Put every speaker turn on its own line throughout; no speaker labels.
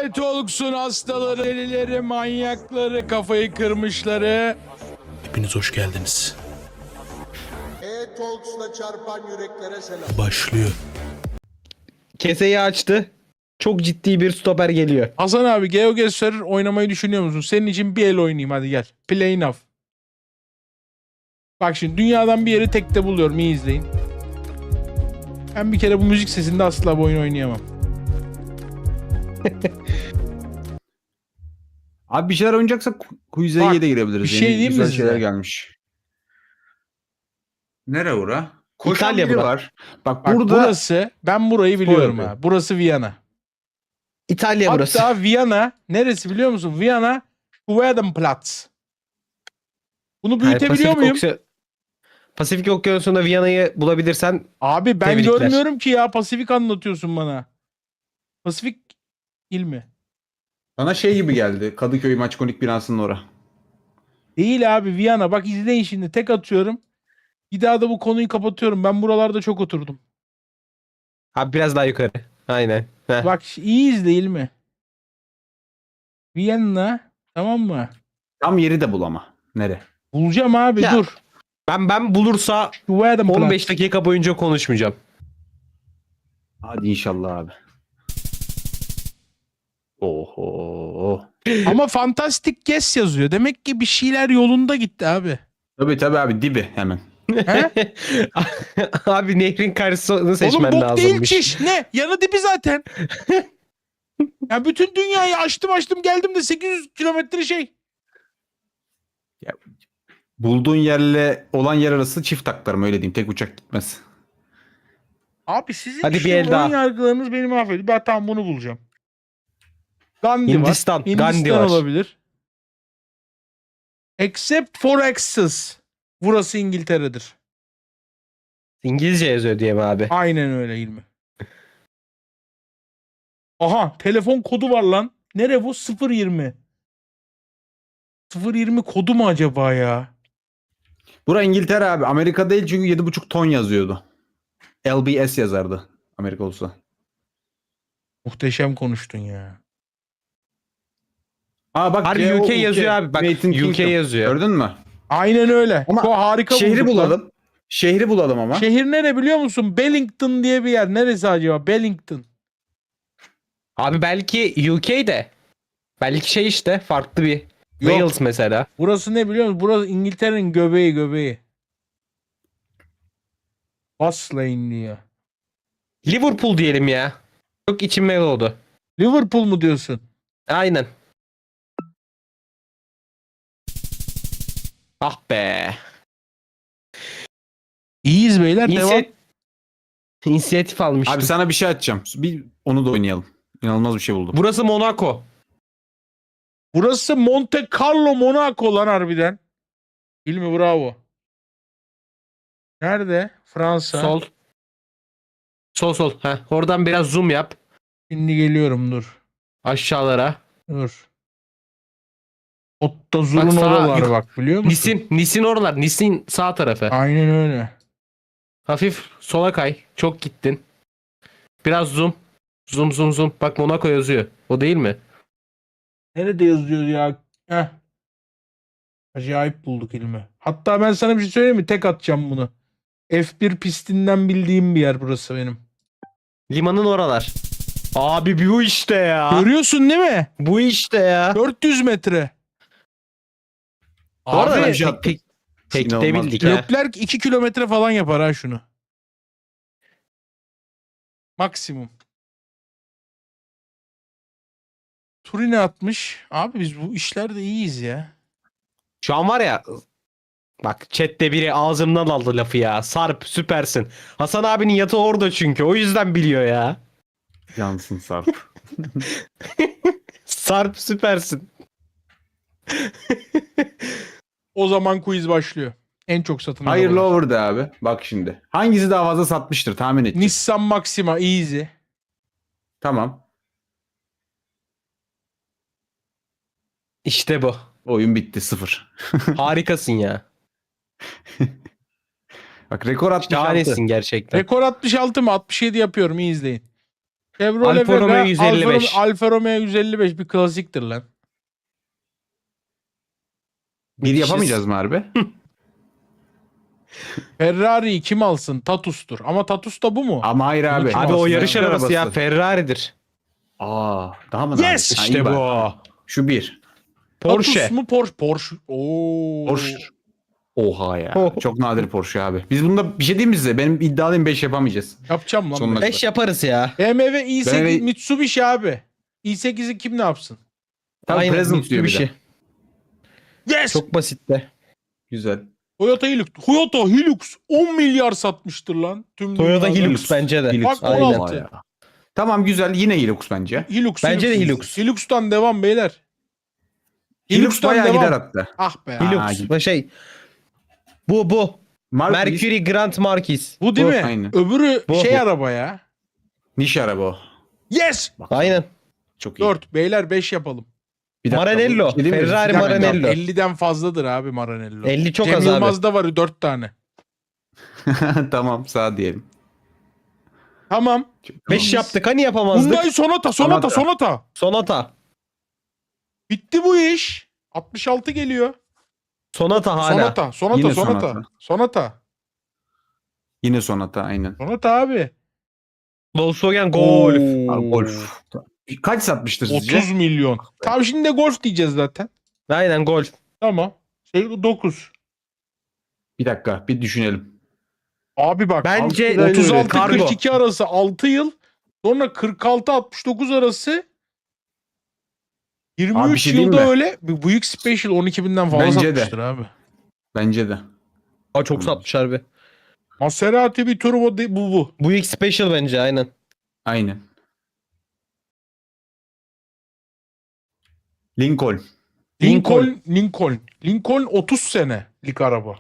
Lanet olsun hastaları, delileri, manyakları, kafayı kırmışları. Hepiniz hoş geldiniz.
E-Talks'la çarpan yüreklere selam.
Başlıyor.
Keseyi açtı. Çok ciddi bir stoper geliyor.
Hasan abi GeoGuessr oynamayı düşünüyor musun? Senin için bir el oynayayım, hadi gel. Play enough. Bak şimdi dünyadan bir yeri tekte buluyorum, iyi izleyin. Ben bir kere bu müzik sesinde asla bu oyunu oynayamam.
Abi bir şeyler oynayacaksak Quiz'e
Bak,
de girebiliriz.
bir şey
Yeni
diyeyim mi
güzel
size?
şeyler gelmiş. Nere ora? Koşan
İtalya
biri
bura.
var. Bak,
Bak
burada
burası, ben burayı biliyorum
yapıyor.
ha. Burası Viyana.
İtalya burası.
Hatta Viyana neresi biliyor musun? Viyana Schwedenplatz. Bunu
Yani
büyütebiliyor muyum?
Pasifik Okyanusu'nda Viyana'yı bulabilirsen
Abi ben
Tebrikler.
görmüyorum ki ya, Pasifik anlatıyorsun bana. Pasifik il mi?
bana şey gibi geldi. Kadıköy Maçkonik binasının ora.
Değil abi, Viyana. Bak izleyin şimdi, tek atıyorum. Bir daha da bu konuyu kapatıyorum. Ben buralarda çok oturdum.
abi biraz daha yukarı. Aynen. Heh.
Bak iyi değil mi? Viyana, tamam mı?
Tam yeri de bulama. Nere?
Bulacağım abi,
Ya,
dur.
Ben bulursa
Schwedenplatz.
15 dakika boyunca konuşmayacağım.
Hadi inşallah abi. Oho.
Ama Fantastic Guess yazıyor. Demek ki bir şeyler yolunda gitti abi.
Tabii abi, dibi hemen.
He?
Abi nehrin karşısını
Oğlum
seçmen
bok değil
lazımmış.
çiş. Ne? Yanı dibi zaten. Ya bütün dünyayı açtım geldim de 800 kilometre şey.
Bulduğun yerle olan yer arası çift taklarım, öyle diyeyim. Tek uçak gitmez.
Abi sizin
Hadi bir
işte
el
ön
daha.
yargılarınız beni mahvediyor. Ben tam bunu bulacağım. Gandhi
Hindistan,
var. Hindistan
Gandhi var.
olabilir. Except for Axis. Burası İngiltere'dir.
İngilizce yazıyor diye mi abi?
Aynen öyle İlmi. Aha, telefon kodu var lan. Nere bu? 020. 020 kodu mu acaba ya?
Bura İngiltere abi. Amerika değil, çünkü 7,5 ton yazıyordu. LBS yazardı Amerika olsa.
Muhteşem konuştun ya.
Aa bak,
Harbi UK yazıyor abi. Bak,
United
UK
Kingdom.
yazıyor.
Gördün mü?
Aynen öyle.
Ama
Çok harika
Şehri
bulduk lan.
bulalım. Şehri bulalım ama.
Şehir nere biliyor musun? Bellington diye bir yer. Neresi acaba? Bellington.
Abi belki UK'de. Belki şey işte farklı bir.
Yok.
Wales mesela.
Burası ne biliyor musun? Burası İngiltere'nin göbeği. Baslane diyor.
Liverpool diyelim ya. Çok içime oldu.
Liverpool mu diyorsun?
Aynen. Ah be.
İyiyiz beyler. Devam.
İnisiyatif almıştım.
Abi sana bir şey açacağım. Bir onu da oynayalım. İnanılmaz bir şey buldum.
Burası Monaco.
Burası Monte Carlo, Monaco lan harbiden. İlmi bravo. Nerede? Fransa.
Sol. Sol. Heh, oradan biraz zoom yap.
Şimdi geliyorum, dur.
Aşağılara.
Dur. Ottozur'un
Bak sağa,
oralar bak, biliyor musun?
Nisin oralar. Nisin sağ tarafı.
Aynen öyle.
Hafif sola kay. Çok gittin. Biraz zoom. Zoom. Bak Monaco yazıyor. O değil mi?
Nerede yazıyor ya? Heh. Acayip bulduk ilmi. Hatta ben sana bir şey söyleyeyim mi? Tek atacağım bunu. F1 pistinden bildiğim bir yer burası benim.
Limanın oralar. Abi bu işte ya.
Görüyorsun değil mi?
Bu işte ya.
400 metre.
Bu arada
Abi,
ben şey attım.
tek de
İnanılmaz.
bildik ha.
Leclerc 2 kilometre falan yapar ha şunu. Maksimum. Turin'e atmış. Abi biz bu işlerde iyiyiz ya.
Şu an var ya, bak chatte biri ağzımdan aldı lafı ya. Sarp süpersin. Hasan abinin yatağı orada çünkü. O yüzden biliyor ya.
Yansın Sarp.
Sarp süpersin.
O zaman quiz başlıyor. En çok satın
Hayırlı
arabalar.
over de abi. Bak şimdi. Hangisi daha fazla satmıştır tahmin edeceğiz.
Nissan Maxima easy.
Tamam.
İşte bu.
Oyun bitti, 0.
Harikasın ya.
Bak, rekor 66.
Şahanesin gerçekten.
Rekor 66 mı? 67 yapıyorum, iyi izleyin. Chevrolet
Alfa Romeo
Vega,
155.
Alfa Romeo 155 bir klasiktir lan.
Bir yapamayacağız mı harbi?
Ferrari'yi kim alsın? Tatus'tur. Ama Tatus da bu mu?
Ama hayır abi.
Kim
Abi o
olsun
yarış
ya?
arabası ya
Arabası.
Ferrari'dir.
Aa, daha mı
Yes!
nadir? Ha,
İşte
iyi
bu.
bak. Şu bir.
Porsche.
Tatus mu Porsche? Porsche. Oo.
Porsche. Oha ya.
Oh.
Çok nadir Porsche abi. Biz bunda bir şey diyeyim mi size? Benim iddialıyım 5 yapamayacağız.
Yapacağım lan.
Sonuna
ben.
5 yaparız ya.
BMW i8
BMW
Mitsubishi abi. i8'i kim ne yapsın?
Tabii
Aynen,
present diyor bir
Mitsubishi.
de.
Yes!
Çok basit de.
Güzel.
Toyota Hilux. Toyota Hilux 10 milyar satmıştır lan. Tüm
Toyota
dünyada.
Hilux bence de.
Hilux.
Bak,
Aynen.
16.
Ya. Tamam güzel. Yine Hilux bence.
Hilux.
Bence de Hilux.
Hilux'tan devam beyler.
Hilux
Hilux'tan
bayağı
devam.
gider hatta.
Ah be.
Hilux. Bu.
Marquis,
Mercury Grand Marquis.
Bu değil mi?
Aynen.
Öbürü
Bu.
şey araba ya.
niş araba o.
Yes!
Bak,
Aynen.
çok iyi.
4. Beyler 5 yapalım.
Bir dakika,
Maranello.
bu şey değil mi?
Ferrari
Bir dakika.
Maranello.
50'den fazladır abi Maranello.
50 çok
Cem
az abi.
Yılmaz'da var 4 tane.
Tamam sağ diyelim.
Tamam.
5 yaptık hani yapamazdık.
Hyundai Sonata.
Sonata.
Bitti bu iş. 66 geliyor.
Sonata hala.
Yine
Sonata.
Yine Sonata aynen.
Sonata abi.
Volkswagen Golf.
Abi, Golf. Kaç satmıştır sizce?
30 milyon. Tamam şimdi de Golf diyeceğiz zaten.
Aynen Golf.
Tamam. 9.
Bir dakika bir düşünelim.
Abi bak.
Bence
36-42 arası 6 yıl. Sonra 46-69 arası 23
Abi bir şey diyeyim
yılda
mi?
öyle. Bir Buick Special 12 binden fazla
Bence de.
satmıştır abi.
Bence de.
Aa, çok satmış harbi.
Maserati bir turbo bu.
Bu ilk special bence aynen.
Aynen. Lincoln.
Lincoln 30 senelik araba.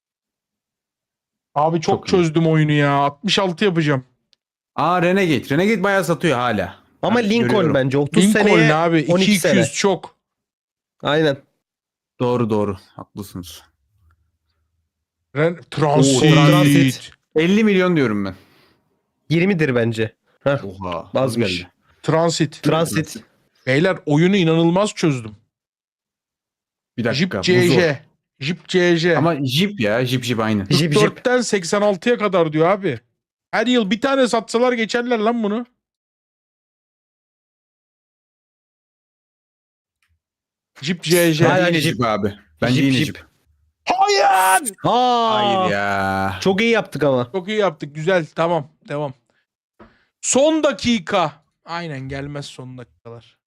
Abi çok
Çok iyi.
çözdüm oyunu ya. 66 yapacağım.
Aa Renegade. Renegade bayağı satıyor hala.
Ama
Ben
Lincoln
görüyorum.
bence 30
Lincoln
seneye
abi
12
200
sene.
çok.
Aynen.
Doğru. Haklısınız.
Transit.
Transit.
50 milyon diyorum ben.
20'dir bence. Heh,
Oha.
azmış.
geldi.
Transit. Beyler oyunu inanılmaz çözdüm.
Bir dakika.
Jeep
bu zor.
CJ. Jeep CJ.
Ama Jeep ya. Jeep aynı.
Jeep.
44'ten 86'ya kadar diyor abi. Her yıl bir tane satsalar geçerler lan bunu. Jeep CJ.
Aynen.
Bence yine
Jeep.
Jeep abi. Bence
Jeep,
yine
Jeep.
Jeep.
Hayır.
Aa,
Hayır ya.
çok iyi yaptık ama.
Çok iyi yaptık. Güzel. Tamam. Devam. Son dakika. Aynen gelmez son dakikalar.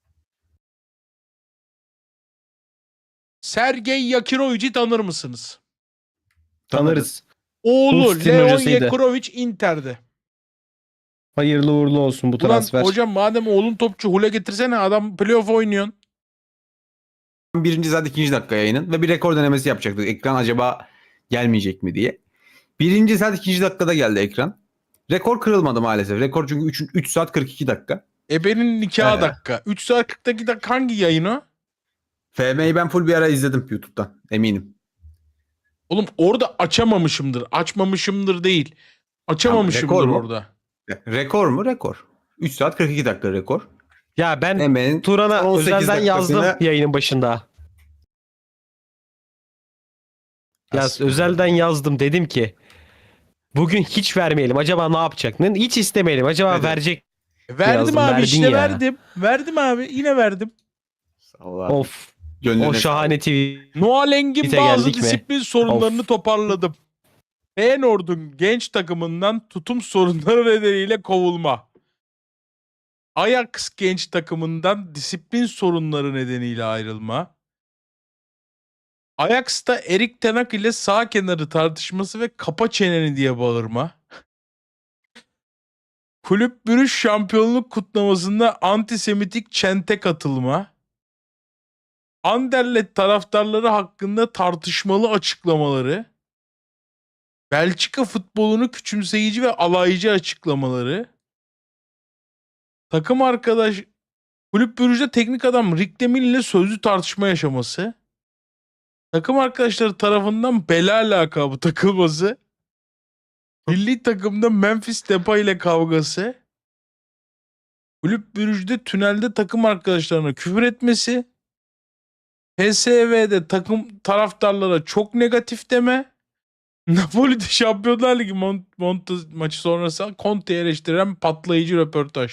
Sergey Yakirovic'i tanır mısınız?
Tanırız.
Oğlu
Hulstin
Leon
hocasıydı.
Yakirovic Inter'de.
Hayırlı uğurlu olsun bu
Ulan
transfer.
hocam madem oğlun topçu Hule getirsene adam playoff oynuyorsun.
Birinci zaten ikinci dakika yayının ve bir rekor denemesi yapacaktık. Ekran acaba gelmeyecek mi diye. Birinci saat ikinci dakikada geldi ekran. Rekor kırılmadı maalesef. Rekor çünkü 3 saat 42 dakika.
Ebe'nin nikahı
He.
dakika. 3 saat 42 dakika hangi yayın o?
FM'yi ben full bir ara izledim YouTube'dan. Eminim.
Oğlum orada açamamışımdır. Açmamışımdır değil. Açamamışımdır
rekor mu?
orada.
Rekor mu? Rekor. 3 saat 42 dakika rekor.
Ya ben
Hemen
Turan'a
18
özelden yazdım
dakikasına-
yayının başında. Ya özelden yazdım dedim ki bugün hiç vermeyelim. Acaba ne yapacak? Hiç istemeyelim. Acaba
Evet.
verecek.
Verdim
Yazdım,
abi
verdin
işte
ya.
verdim. Verdim abi yine verdim.
Allah.
Of.
Gönlüne
O şahane TV.
Noah Engin
Bite
bazı
geldik mi?
disiplin sorunlarını
Of.
toparladım. Feyenoord'un genç takımından tutum sorunları nedeniyle kovulma. Ajax genç takımından disiplin sorunları nedeniyle ayrılma. Ajax'ta Erik Ten Hag ile sağ kenarı tartışması ve kapa çeneni diye bağırma. Kulüp bürüş şampiyonluk kutlamasında antisemitik çente katılma. Anderlecht taraftarları hakkında tartışmalı açıklamaları. Belçika futbolunu küçümseyici ve alaycı açıklamaları. Takım arkadaş kulüp bürüjde teknik adam Rick Demil ile sözlü tartışma yaşaması. Takım arkadaşları tarafından bela lakabı takılması. Milli takımda Memphis Depay ile kavgası. Kulüp Brugge'de tünelde takım arkadaşlarına küfür etmesi. PSV'de takım taraftarlara çok negatif deme. Napoli'de Şampiyonlar Ligi Monte maçı sonrası Conte'yi eleştiren patlayıcı röportaj.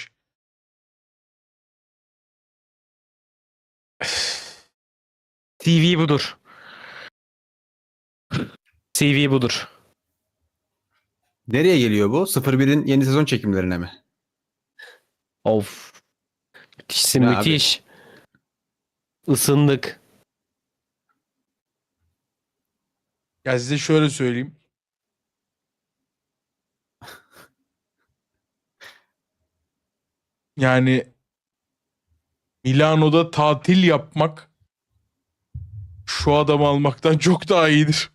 CV budur. CV budur.
Nereye geliyor bu? 01'in yeni sezon çekimlerine mi?
Of. Müthişsin
Ne
müthiş. Isındık.
Ya size şöyle söyleyeyim. Yani Milano'da tatil yapmak şu adamı almaktan çok daha iyidir.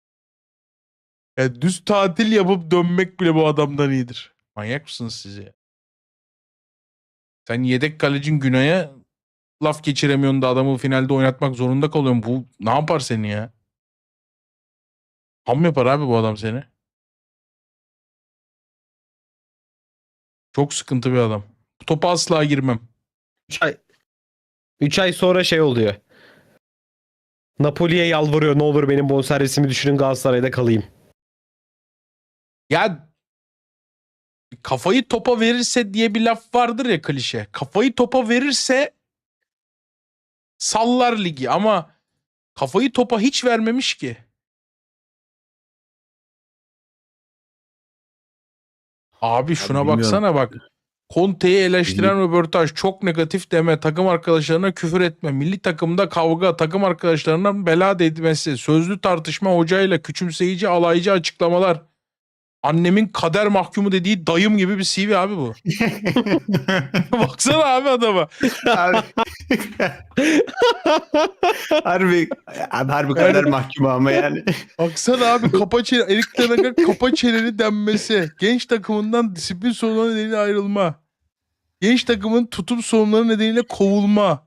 Yani düz tatil yapıp dönmek bile bu adamdan iyidir. Manyak mısınız siz ya? Sen yedek kalecin Günay'a laf geçiremiyorsun da adamı finalde oynatmak zorunda kalıyorsun. Bu ne yapar seni ya? Ham yapar abi bu adam seni. Çok sıkıntı bir adam. Bu topa asla girmem.
3 ay sonra şey oluyor. Napoli'ye yalvarıyor. Ne olur benim bonservisimi düşürün, Galatasaray'da kalayım.
Ya kafayı topa verirse diye bir laf vardır ya, klişe. Kafayı topa verirse sallar ligi ama kafayı topa hiç vermemiş ki. Abi şuna
bilmiyorum.
baksana bak. Conte'yi eleştiren röportaj, çok negatif deme, takım arkadaşlarına küfür etme, milli takımda kavga, takım arkadaşlarına bela değmesi, sözlü tartışma, hocayla küçümseyici, alaycı açıklamalar. Annemin kader mahkumu dediği dayım gibi bir CV abi bu. Baksana abi adama.
Abi. harbi kadar mahkum ama yani.
Baksana abi kapa çene, Erik Ten Hag'a kapa çeneni denmesi. Genç takımından disiplin sorunları nedeniyle ayrılma. Genç takımın tutum sorunları nedeniyle kovulma.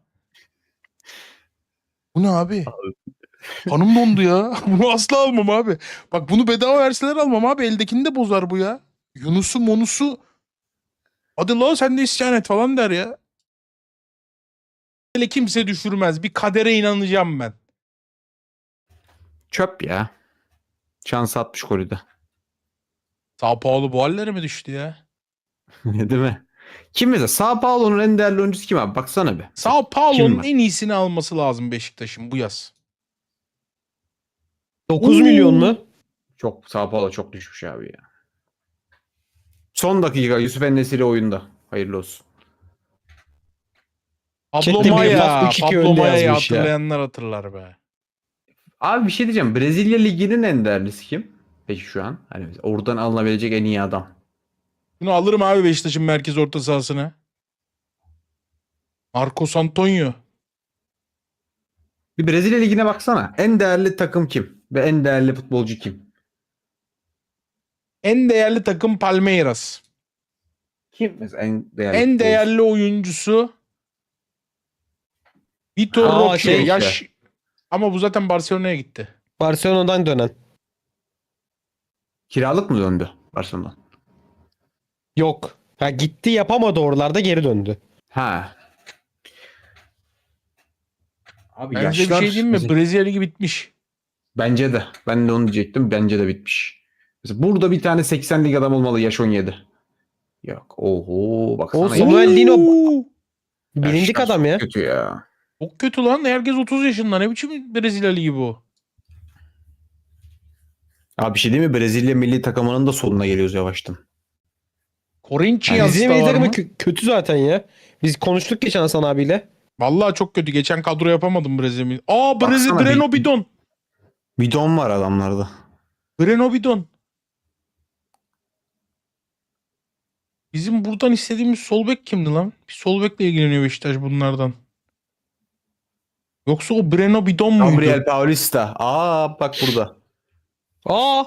Bu ne abi? Kanım dondu ya. Bunu asla almam abi. Bak bunu bedava verseler almam abi. Eldekini de bozar bu ya. Yunus'u Monus'u hadi la sen de isyan et falan der ya. Hele kimse düşürmez. Bir kadere inanacağım ben.
Çöp ya. Şans atmış Kore'de.
Sao Paulo bu hallere mi düştü ya?
Değil mi? Kim mesela? Sao Paulo'nun en değerli oyuncusu kim abi? Baksana bir.
Sao
Kim
Paulo'nun
var?
en iyisini alması lazım Beşiktaş'ın bu yaz.
9 milyon mu?
Çok Sao Paulo çok düşmüş abi ya. Son dakika Yusuf En-Nesyri oyunda. Hayırlı olsun.
Pablo
Chat'te biri
Maya.
laf 3-2
Pablo
önde
Maya'yı
yazmış ya.
hatırlayanlar hatırlar be.
Abi bir şey diyeceğim. Brezilya Ligi'nin en değerlisi kim? Peki şu an. Hani oradan alınabilecek en iyi adam.
Bunu alırım abi Beşiktaş'ın merkez orta sahasına. Marcos Antonio.
Bir Brezilya Ligi'ne baksana. En değerli takım kim? Ve en değerli futbolcu kim?
En değerli takım Palmeiras.
Kim mesela en değerli
En
futbolcu?
değerli oyuncusu Vitor
Aa,
Roque.
şey
Yaş ama bu zaten Barcelona'ya gitti.
Barcelona'dan dönen.
Kiralık mı döndü Barcelona'dan?
Yok. Ha, gitti yapamadı oralarda, geri döndü.
Ha. Abi
Ben size bir şey diyeyim mi?
mesela-
Brezilya Ligi bitmiş.
Bence de. Ben de onu diyecektim. Bence de bitmiş. Mesela burada bir tane 80 lig adam olmalı yaş 17. Yok. Oho. Baksana.
O
yaş-
Samuel Lino
Oo!
bilindik
yaşlar
adam ya.
çok kötü ya.
Çok kötü lan. Herkes 30 yaşında. Ne biçim Brezilya Ligi bu?
Abi bir şey değil mi? Brezilya milli takımının da sonuna geliyoruz yavaştan.
Corinthians
Bizim
da
milli
var
takımı
mı?
kötü zaten ya. Biz konuştuk geçen Hasan abiyle.
Vallahi çok kötü. Geçen kadro yapamadım Brezilya. Aa
Baksana
Breno Bidon.
Bidon var adamlarda.
Breno Bidon. Bizim buradan istediğimiz sol bek kimdi lan? Bir sol bekle ilgileniyor Beşiktaş bunlardan. Yoksa o Breno Bidon muydu?
Gabriel Paulista. Aa bak burada.
Aa,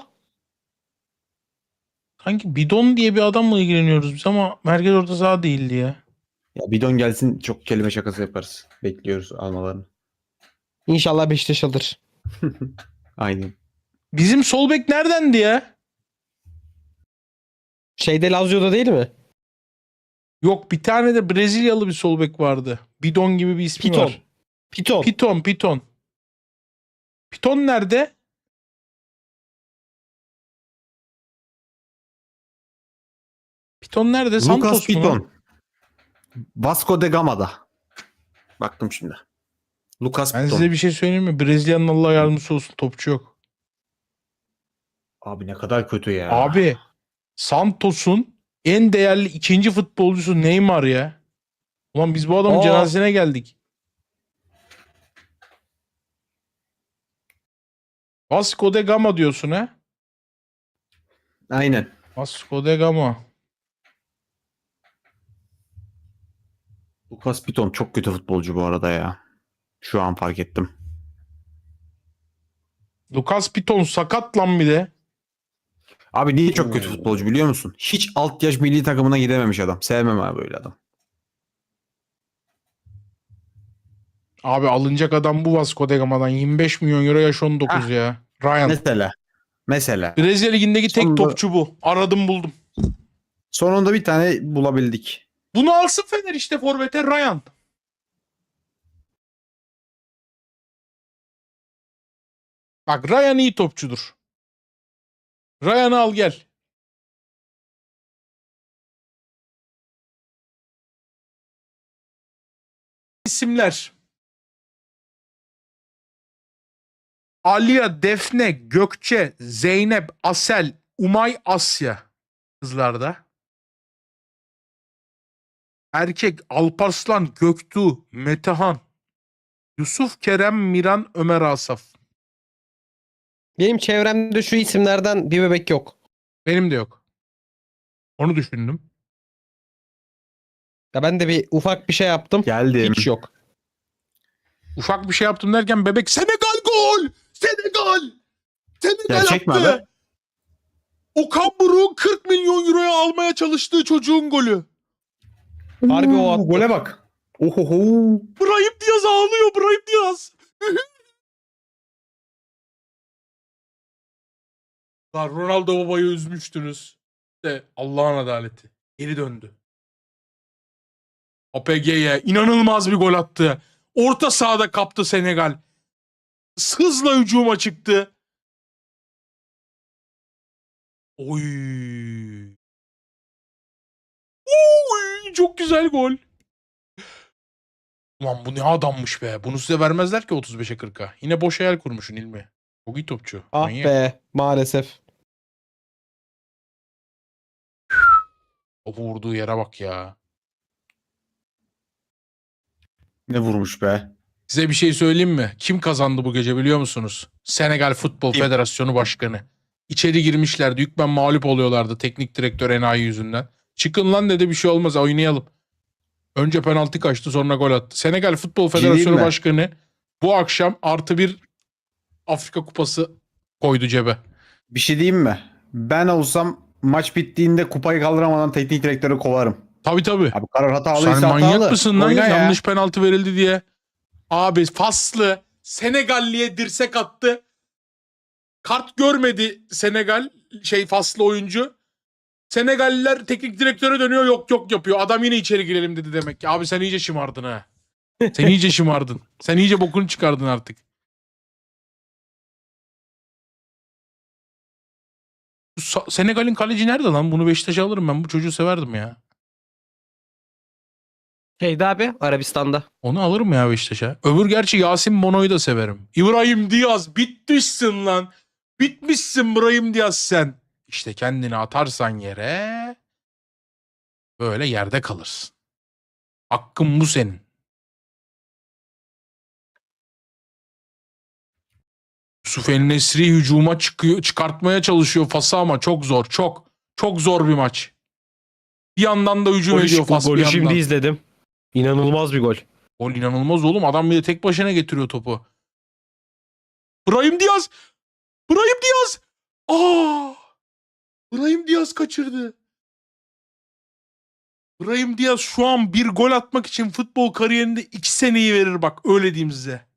Sanki Bidon diye bir adamla ilgileniyoruz biz ama merkez orta saha değildi ya.
Ya bidon gelsin çok kelime şakası yaparız. Bekliyoruz almalarını.
İnşallah Beşiktaş alır.
Aynen.
Bizim sol bek neredendi ya?
Şeyde Lazio'da değil mi?
Yok, bir tane de Brezilyalı bir sol bek vardı. Bidon gibi bir ismi
Piton.
var.
Piton.
Piton. Piton nerede? Piton nerede?
Lucas
Santos mu lan?
Piton. Vasco da Gama'da. Baktım şimdi. Lucas
Ben
Piton.
size bir şey söyleyeyim mi? Brezilya'nın Allah yardımcısı olsun, topçu yok.
Abi ne kadar kötü ya.
Abi Santos'un en değerli ikinci futbolcusu Neymar ya. Ulan biz bu adamın
Aa.
cenazesine geldik. Vasco da Gama diyorsun ha?
Aynen.
Vasco da Gama.
Lucas Piton çok kötü futbolcu bu arada ya. Şu an fark ettim.
Lucas Piton sakat lan bir de.
Abi niye çok kötü futbolcu biliyor musun? Hiç alt yaş milli takımına gidememiş adam. Sevmem abi böyle adam.
Abi alınacak adam bu Vasco da Gama'dan. 25 milyon euro, yaş 19
Ah.
ya. Ryan.
Mesela.
Brezilya Ligi'ndeki tek
Sonunda-
topçu bu. Aradım buldum.
Sonunda bir tane bulabildik.
Bunu alsın Fener işte, forvete Ryan. Bak Ryan iyi topçudur. Ryan'ı al gel. İsimler. Aliya, Defne, Gökçe, Zeynep, Asel, Umay, Asya. Kızlarda. Erkek Alparslan, Göktuğ, Metehan, Yusuf, Kerem, Miran, Ömer, Asaf.
Benim çevremde şu isimlerden bir bebek yok.
Benim de yok. Onu düşündüm.
Ya ben de bir ufak bir şey yaptım.
Geldim.
Hiç yok.
Ufak bir şey yaptım derken bebek Senegal gol! Senegal! Senegal
Gerçek mi
attı!
abi?
Okan Buruk'un 40 milyon euroya almaya çalıştığı çocuğun golü.
Harbi o attı.
Gole bak. Ohoho.
Brahim Diaz ağlıyor, Brahim Diaz. Lan Ronaldo babayı üzmüştünüz. İşte Allah'ın adaleti. Geri döndü. APG'ye inanılmaz bir gol attı. Orta sahada kaptı Senegal. Hızla hücuma çıktı. Oy. Oy, çok güzel gol. Ulan bu ne adammış be. Bunu size vermezler ki 35'e 40'a. Yine boş hayal kurmuşsun İlmi. Çok iyi topçu.
Ah
Manyak.
be maalesef.
Topu vurduğu yere bak ya.
Ne vurmuş be.
Size bir şey söyleyeyim mi? Kim kazandı bu gece biliyor musunuz? Senegal Futbol
Kim?
Federasyonu Başkanı. İçeri girmişlerdi. Hükmen mağlup oluyorlardı teknik direktör enayi yüzünden. Çıkın lan dedi, bir şey olmaz, oynayalım. Önce penaltı kaçtı, sonra gol attı. Senegal Futbol Federasyonu
mi?
Başkanı bu akşam +1 Afrika Kupası koydu cebe.
Bir şey diyeyim mi? Ben olsam maç bittiğinde kupayı kaldıramadan teknik direktörü kovarım.
Tabii.
Abi karar hatalıysa
Sen manyak
hatalı.
mısın lan?
Oyna ya.
Yanlış penaltı verildi diye. Abi faslı Senegalli'ye dirsek attı. Kart görmedi Senegal faslı oyuncu. Senegalliler teknik direktöre dönüyor, yok yapıyor. Adam yine içeri girelim dedi demek ki. Abi sen iyice şımardın ha. Sen iyice şımardın. Sen iyice bokunu çıkardın artık. Senegal'in kaleci nerede lan? Bunu Beşiktaş'a alırım ben. Bu çocuğu severdim ya.
Şeydi abi Arabistan'da.
Onu alırım ya Beşiktaş'a. Öbür gerçi Yasin Bono'yu da severim. İbrahim Diaz bitmişsin lan. Bitmişsin İbrahim Diaz sen. İşte kendini atarsan yere böyle yerde kalırsın. Hakkın bu senin. Yusuf El-Nesri hücuma çıkartmaya çalışıyor Fas'ı ama çok zor. Çok zor bir maç. Bir yandan da hücum ediyor Fas bir
Golü
yandan.
şimdi izledim. İnanılmaz bir gol.
Gol inanılmaz oğlum. Adam bir de tek başına getiriyor topu. Brahim Diaz! Brahim Diaz! Aa! Brahim Diaz kaçırdı. Brahim Diaz şu an bir gol atmak için futbol kariyerinde 2 seneyi verir bak. Öyle diyeyim size.